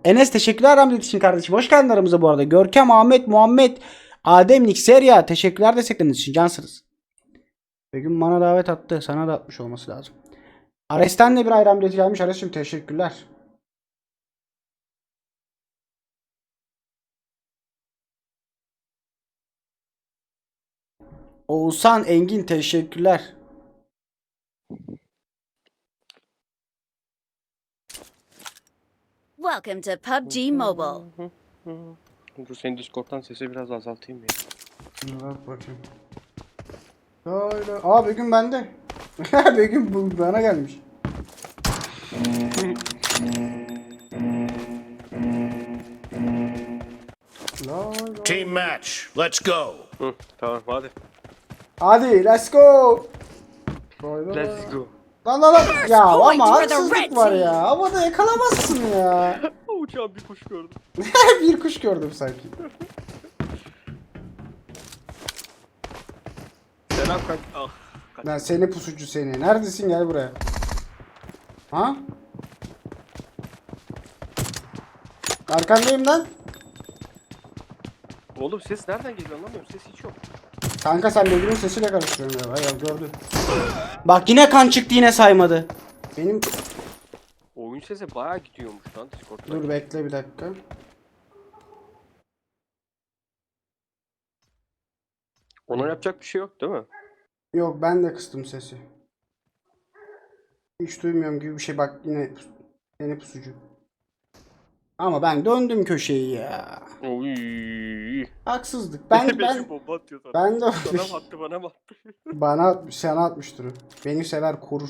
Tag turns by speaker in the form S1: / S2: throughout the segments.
S1: Enes teşekkürler Ramazan için kardeşim. Hoş geldin aramıza bu arada. Görkem, Ahmet, Muhammed, Adem, Nikserya teşekkürler destekleriniz için. Cansınız. Begüm bana davet attı. Sana da atmış olması lazım. Ares'ten de bir ayran bileti gelmiş. Ares'cim teşekkürler. Oğuzhan Engin teşekkürler.
S2: Welcome to PUBG Mobile.
S3: Dur senin Discord'dan sesi biraz azaltayım ya.
S1: Bak bakayım. Öyle. Aa Begüm bende. Begüm bu bana gelmiş.
S4: Team match. Let's go.
S3: Hı, tamam hadi.
S1: Hadi let's go.
S3: Let's go.
S1: Lan. Ya
S2: Point
S1: ama
S2: for the
S1: haksızlık
S2: red
S1: var
S2: team.
S1: ya. Havada yakalamazsın ya.
S3: Uçağın bir kuş gördüm.
S1: Bir kuş gördüm sanki.
S3: Selam kanka. Ah.
S1: Lan seni pusucu seni. Neredesin gel buraya. Ha? Arkandayım lan.
S3: Oğlum ses nereden geliyor anlamıyorum. Ses hiç yok.
S1: Kanka sen Begüm'ün sesiyle karıştırıyorsun ya. Ya gördün. Bak yine kan çıktı yine saymadı. Benim...
S3: Oyun sesi bayağı gidiyormuş lan Discord'da.
S1: Dur bekle bir dakika.
S3: Ona yapacak bir şey yok değil mi?
S1: Yok ben de kıstım sesi. Hiç duymuyorum gibi bir şey bak yine seni pusucu. Ama ben döndüm köşeyi ya.
S3: Oy.
S1: Haksızlık. Ben
S3: bomba atıyor sana.
S1: ben de
S3: Sana mı attı bana mı attı?
S1: bana atmış, sana atmıştır o. Beni sever korur.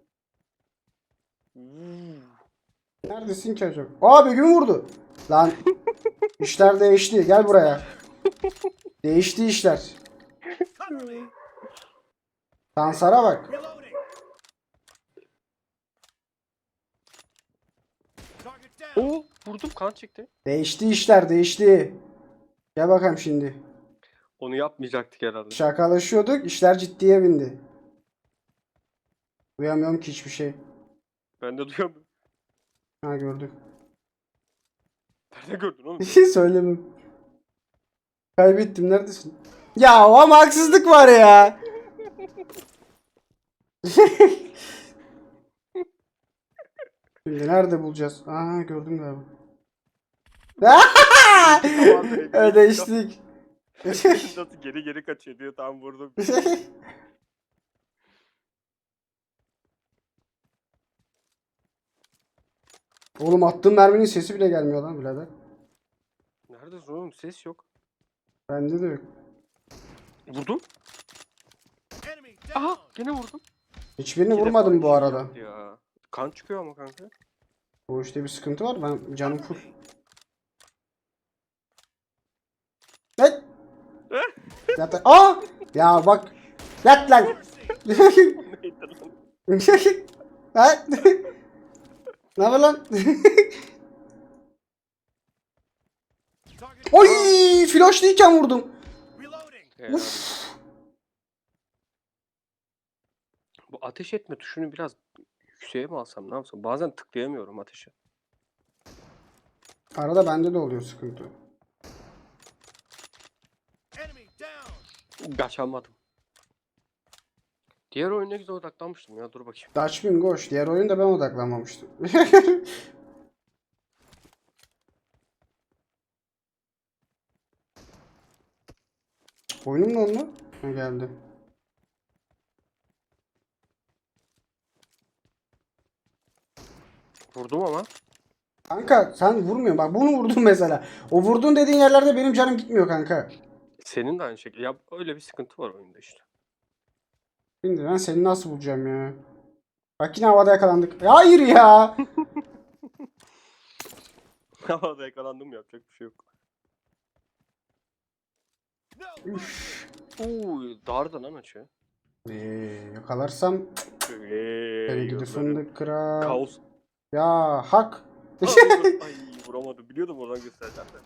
S1: Neredesin ki acaba? Aa Begüm vurdu. Lan işler değişti. Gel buraya. Değişti işler. Sansara bak.
S3: Oo vurdum kan çıktı.
S1: Değişti işler değişti. Gel bakalım şimdi.
S3: Onu yapmayacaktık herhalde.
S1: Şakalaşıyorduk. İşler ciddiye bindi. Duyamıyorum ki hiçbir şey.
S3: Ben de duyamıyorum.
S1: Ha gördüm.
S3: Nerede gördün oğlum?
S1: Söylemem. Kaybettim. Neredesin? Ya ama haksızlık var ya. Şimdi nerede bulacağız? Aa gördüm galiba. Ödeştik.
S3: Nasıl geri kaçıyor diyor tam vurdum.
S1: Oğlum attığım merminin sesi bile gelmiyor lan birader.
S3: Neredesin oğlum? Ses yok.
S1: Bende de yok.
S3: Vurdum. Aha gene vurdum.
S1: Hiçbirini
S3: İki
S1: vurmadım
S3: defa
S1: bu arada.
S3: Ya. Kan çıkıyor ama kanka.
S1: Bu işte bir sıkıntı var. Ben canım full. Evet. Yat. Aa! Ya bak. Yat lan.
S3: Neydi lan?
S1: Ha? Ne yapıyor lan? Oy! Flashlıyken vurdum.
S3: Yani. Bu ateş etme tuşunu biraz yükseğe mi alsam ne yapsam? Bazen tıklayamıyorum ateşe.
S1: Arada bende de oluyor sıkıntı.
S3: Kaçamadım. Diğer oyuna güzel odaklanmıştım ya dur bakayım.
S1: Dutch Bingoş. Diğer oyunda ben odaklanmamıştım. Oyunum ne oldu? Ha geldi.
S3: Vurdum ama.
S1: Kanka sen vurmuyorsun. Bak bunu vurdun mesela. O vurdun dediğin yerlerde benim canım gitmiyor kanka.
S3: Senin de aynı şekilde. Ya öyle bir sıkıntı var oyunda işte.
S1: Şimdi ben seni nasıl bulacağım ya? Bak yine havada yakalandık. Hayır ya.
S3: Havada yakalandım yapacak bir şey yok.
S1: Üf.
S3: Uuu darda lan açı.
S1: Yakalarsam seni gidi
S3: Gözlerim.
S1: fındık kırar.
S3: Kaos.
S1: Ya hak.
S3: Ay vuramadım. Biliyordum oradan göstereceğim de.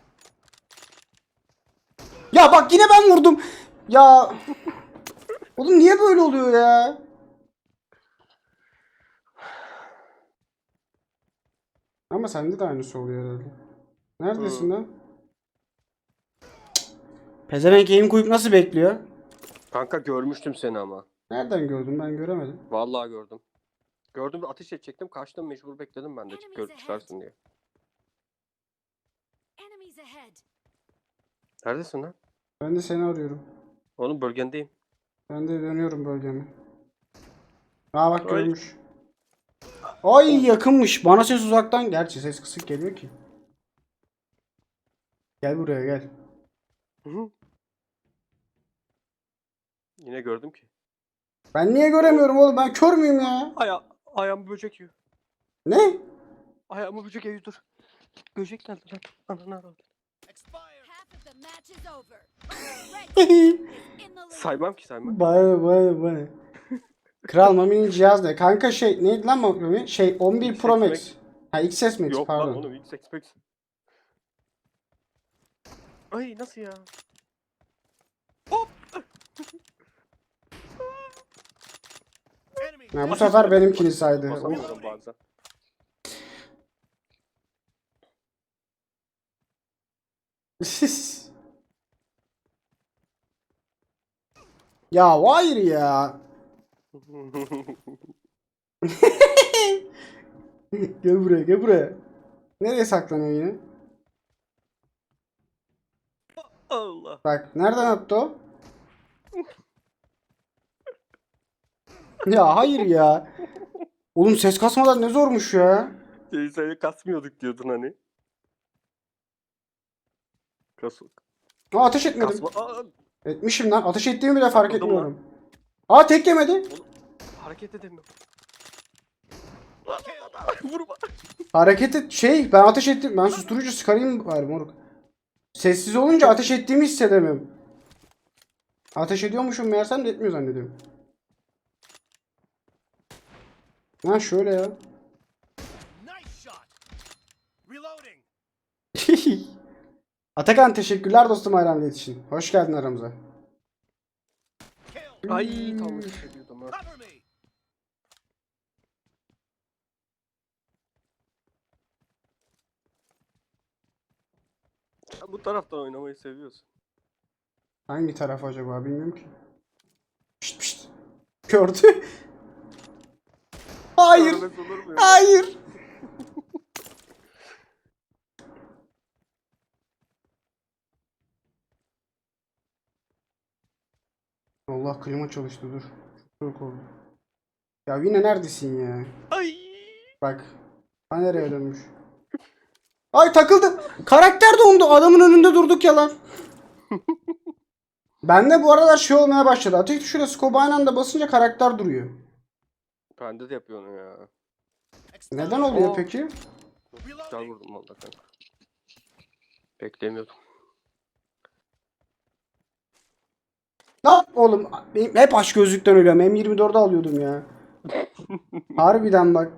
S1: Ya bak yine ben vurdum. Ya. Oğlum niye böyle oluyor ya? Ama sende de aynısı oluyor herhalde. Neredesin lan? Pezevenk aim koyup nasıl bekliyor?
S3: Kanka görmüştüm seni ama.
S1: Nereden gördün? Ben göremedim.
S3: Vallahi gördüm. Gördüm de ateş edecektim. Kaçtım, mecbur bekledim ben de görüp çıkarsın diye.
S2: Enemies ahead.
S3: Neredesin lan?
S1: Ben de seni arıyorum.
S3: Oğlum bölgendeyim.
S1: Ben de dönüyorum bölgeme. Aa bak
S3: Ay.
S1: görmüş. Ay yakınmış. Bana ses uzaktan. Gerçi ses kısık geliyor ki. Gel buraya gel.
S3: Hı hı. Yine gördüm ki.
S1: Ben niye göremiyorum oğlum? Ben kör müyüm ya?
S3: Ayağımı böcek yiyor.
S1: Ne?
S3: Ayağımı böcek yiyor, dur. Böcek geldi lan. Ananı avradım.
S2: Half of the match is over. Red team is in the lead.
S3: Saymam ki saymam.
S1: Bana. Kral Mami'nin cihaz ne? Kanka şey neydi lan Mami? Şey 11
S3: XS
S1: Pro Max.
S3: Max.
S1: Ha XS Max
S3: Yok
S1: pardon.
S3: lan oğlum, X Max. Ay nasıl ya? Hop.
S1: Ha, bu sefer benimkini saydı. Of.
S3: Basamıyorum bazen.
S1: Ya hayır ya. Gel buraya gel buraya. Nereye saklanıyor yine?
S3: Allah.
S1: Bak nereden attı o? Ya hayır ya. Oğlum ses kasmadan ne zormuş ya.
S3: Seni kasmıyorduk diyordun hani.
S1: Aa, ateş etmedim.
S3: Kasma. Aa,
S1: Etmişim lan. Ateş ettiğimi bile fark
S3: Vurdum
S1: etmiyorum. Aa tek yemedi.
S3: oğlum, hareket edemiyorum. Vurma.
S1: Hareket et şey ben ateş ettim. Ben susturucu sıkarayım bari moruk. Sessiz olunca ateş ettiğimi hissedemiyorum. Ateş ediyormuşum meğersem de etmiyor zannediyorum. Ha şöyle ya.
S4: Nice shot. Reloading.
S1: Atakan teşekkürler dostum hayranlığı için. Hoş geldin aramıza.
S4: Kill.
S3: Ay tam hissediyordum ha.
S4: Cover me.
S3: Sen bu taraftan oynamayı seviyorsun.
S1: Hangi taraf acaba bilmiyorum ki. Pişt pişt. Gördü. Hayır.
S3: Görmez olur mu ya?
S1: Hayır. Allah klima çalıştı dur. Çok soğuk oldu. Ya yine neredesin ya?
S3: Ay.
S1: Bak. Ha nereye dönmüş? Ay takıldım. Karakter dondu. Adamın önünde durduk ya lan. Bende bu aralar şey olmaya başladı. Ateş tuşuyla scope aynı anda basınca karakter duruyor.
S3: Bende de yapıyor onu ya.
S1: Neden oluyor
S3: Oo.
S1: peki?
S3: Güzel vurdum valla kanka. Beklemiyordum.
S1: Lan oğlum benim hep aç gözlükten ölüyorum. M24'ü alıyordum ya. Harbiden bak.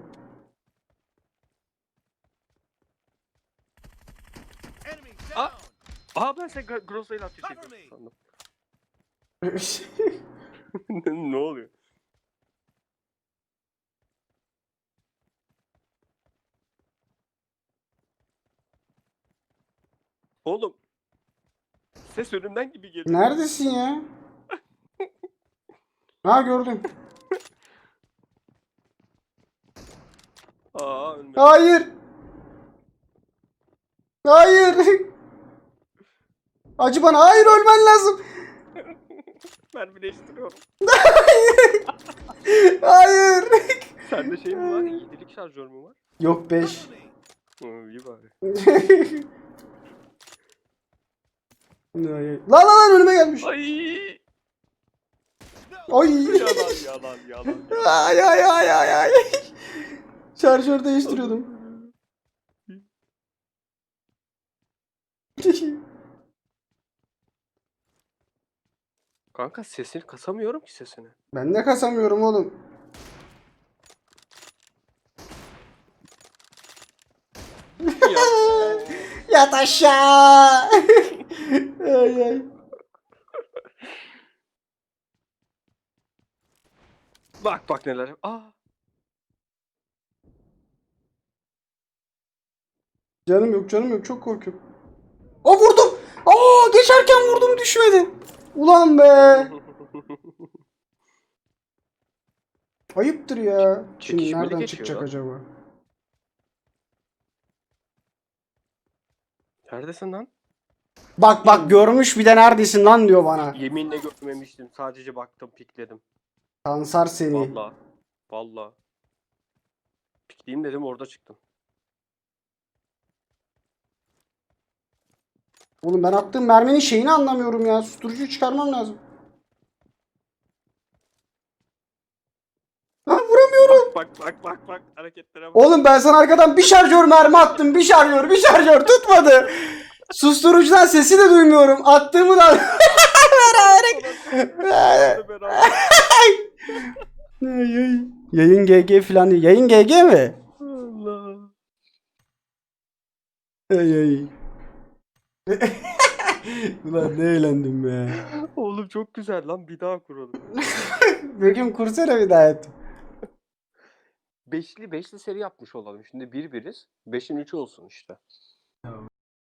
S4: Enemy
S3: Ah.
S4: down.
S3: Aha ben sen Grosso ile ateş
S4: Cover
S3: ediyorum
S4: me.
S3: sandım. Ne oluyor? Oğlum. Ses önümden gibi geliyor.
S1: Neredesin ya? Ha gördüm.
S3: Aa ölmedim.
S1: Hayır. Hayır. Acı bana. Hayır ölmen lazım.
S3: Mermi değiştiriyorum.
S1: Hayır.
S3: Sende şey mi var? 7'lik şarjör mü var?
S1: Yok 5.
S4: Cover me.
S3: İyi bari.
S1: Lan lan önüme gelmiş.
S3: Ay.
S1: Ay.
S3: Yalan.
S1: Ay ay ay ay ay. Şarjör değiştiriyordum.
S3: Kanka sesini kasamıyorum ki sesini.
S1: Ben de kasamıyorum oğlum.
S3: Ya.
S1: Yat aşağı. Ay ay.
S3: Bak neler. Aa.
S1: Canım yok, canım yok. Çok korkuyorum. Aa vurdum. Aa geçerken vurdum, düşmedi. Ulan be. Ayıptır ya. Şimdi
S3: Çekişmeli
S1: nereden
S3: geçiyor
S1: çıkacak
S3: lan.
S1: acaba?
S3: Neredesin lan?
S1: Bak bak, görmüş bir de neredesin lan diyor bana.
S3: Yeminle görmemiştim. Sadece baktım, pikledim.
S1: Kansar seni.
S3: Vallahi. Vallahi. Pikleyeyim dedim, orada çıktım.
S1: Oğlum ben attığım merminin şeyini anlamıyorum ya. Susturucuyu çıkarmam lazım. Ha, vuramıyorum.
S3: Bak hareketlere bak.
S1: Oğlum ben sana arkadan bir şarjör mermi attım. Bir şarjör tutmadı. Susturucudan sesi de duymuyorum. Attığımı da... Yayın GG falan değil. Yayın GG mi?
S3: Allah.
S1: Ay. Ulan ne eğlendim be.
S3: Oğlum çok güzel lan, bir daha kuralım.
S1: Begüm kursana bir daha et.
S3: Beşli seri yapmış olalım. Şimdi bir biriz. 5'in 3'ü olsun işte.